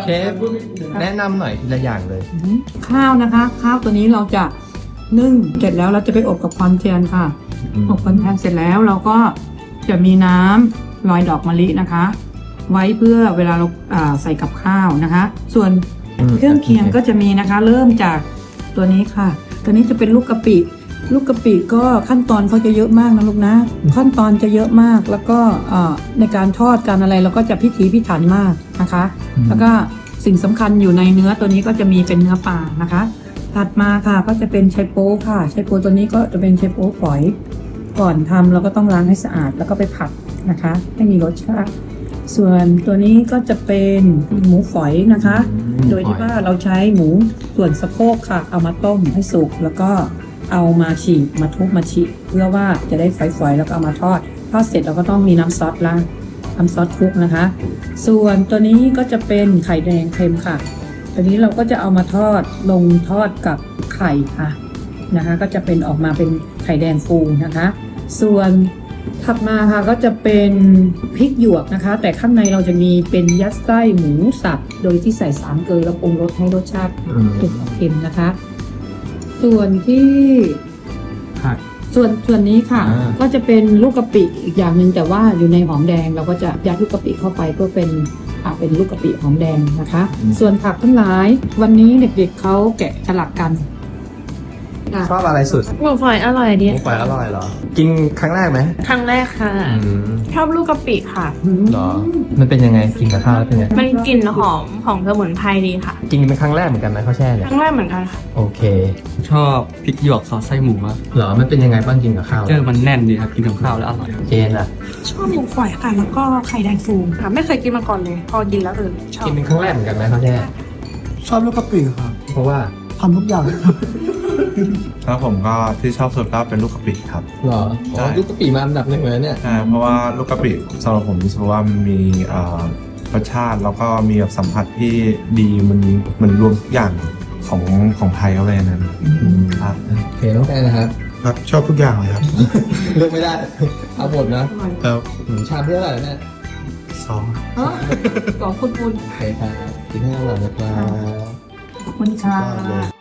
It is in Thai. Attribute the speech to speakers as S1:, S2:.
S1: เชฟแนะนำหน่อยทีละอย่างเลย
S2: ข้าวนะคะ ข้าวตัวนี้เราจะนึ่งเสร็จแล้วเราจะไปอบกับควันเทียนค่ะ อบควันเทียนเสร็จแล้วเราก็จะมีน้ำลอยดอกมะลินะคะ ไว้เพื่อเวลาเราใส่กับข้าวนะคะ ส่วนเครื่องเคียงก็จะมีนะคะ เริ่มจากตัวนี้ค่ะ ตัวนี้จะเป็นลูกกะปิ ลูกกะปิก็ขั้นตอนเขาจะเยอะมากนะลูกนะ ขั้นตอนจะเยอะมากแล้วก็ในการทอดการอะไรเราก็จะพิถีพิถันมากนะคะ แล้วก็สิ่งสำคัญอยู่ในเนื้อตัวนี้ก็จะมีเป็นเนื้อปลานะคะ ถัดมาค่ะก็จะเป็นไชโป๊ค่ะไชโป๊ตัวนี้ก็จะเป็นไชโป๊ฝอย ก่อนทำเราก็ต้องล้างให้สะอาดแล้วก็ไปผัดนะคะให้มีรสชาติ ส่วนตัวนี้ก็จะเป็นหมูฝอยนะคะ โดยที่ว่าเราใช้หมูส่วนสะโพกค่ะ เอามาต้มให้สุกแล้วก็เอามาฉีกมาทุบมาฉีกเพื่อว่าจะได้ฝอยๆแล้วก็เอามาทอดเสร็จเราก็ต้องมีน้ำซอสล้างน้ำซอสคลุกนะคะ ส่วนตัวนี้ก็จะเป็นไข่แดงเค็มค่ะ ตัวนี้เราก็จะเอามาทอดลงทอดกับไข่ค่ะนะคะ ก็จะเป็นออกมาเป็นไข่แดงฟูนะคะ ส่วนถัดมาค่ะก็จะเป็นพริกหยวกนะคะ แต่ข้างในเราจะมีเป็นยัดไส้หมูสับโดยที่ใส่สามเกลือแล้วปรุงรสให้รสชาติถูกเค็มนะคะ ส่วนที่ส่วนนี้ค่ะก็จะเป็นลูกกะปิอีกอย่างหนึ่งแต่ว่าอยู่ในหอมแดงเราก็จะยัดลูกกะปิเข้าไปเพื่อเป็นลูกกะปิหอมแดงนะคะ ส่วนผักทั้งหลายวันนี้เด็กๆเขาแกะสลักกัน
S1: ชอบอะไรสุด
S3: หมูฝอยอร่อยดี
S1: หมูฝอยอร่อยเหรอ กินครั้งแรกไหม
S3: ครั้งแรกค่ะ ชอบลูกกะปิค่ะ
S1: เหรอ มันเป็นยังไงกินกับข้าวแล้วเป็นยังไง
S3: มันกลิ่นหอมของสมุนไพรดีค่ะ
S1: กินเป็นครั้งแรกเหมือนกันไหมข้าวแช่เนี่ย
S3: ครั้งแรกเหมือนกันค่ะ
S1: โอเค
S4: ชอบพริกหยวกซอสไส้หมูมาก
S1: เหรอมันเป็นยังไงบ้างกินกับข้าว
S4: เจอมันแน่นดีครับกินกับข้าวแล้วอร่อย
S1: เจนอะ
S2: ชอบหมูฝอยค่ะแล้วก็ไข่แดงฟูค่ะไม่เคยกินมาก่อนเลยพอกินแล้วชอบ
S1: กินเป็นครั้งแรกเหมือนกันไหมข้าวแช่
S5: ชอบลูกกะปิครับ
S1: เพราะว่า
S5: ทำทุกอย่าง
S6: ครับผมก็ที่ชอบสุดก็เป็นลูกกะปิครับ
S1: เหรออ๋อลูกกะปิมาอันดับหนึ่งเลยเนี่ย
S6: เพราะว่าลูกกะปิสำหรับผมรู้สึกว่ามันมีรสชาติแล้วก็มีแบบสัมผัสที่ดีมันรวมทุกอย่างของไทยเข้าไปในนั้นครับ
S1: โอเคน้องแอนนะครับ
S6: ครับชอบทุกอย่างเลยครับ
S1: เลือกไม่ได้ เอาหมดนะ
S6: แล้ว
S1: ชามที่เท่าไหร่เนี่ย
S6: สอง
S2: ขอบคุณ
S1: โอเคครับกินให้อร่อยนะครับ
S2: ขอบคุณค่ะ
S1: ได้เลย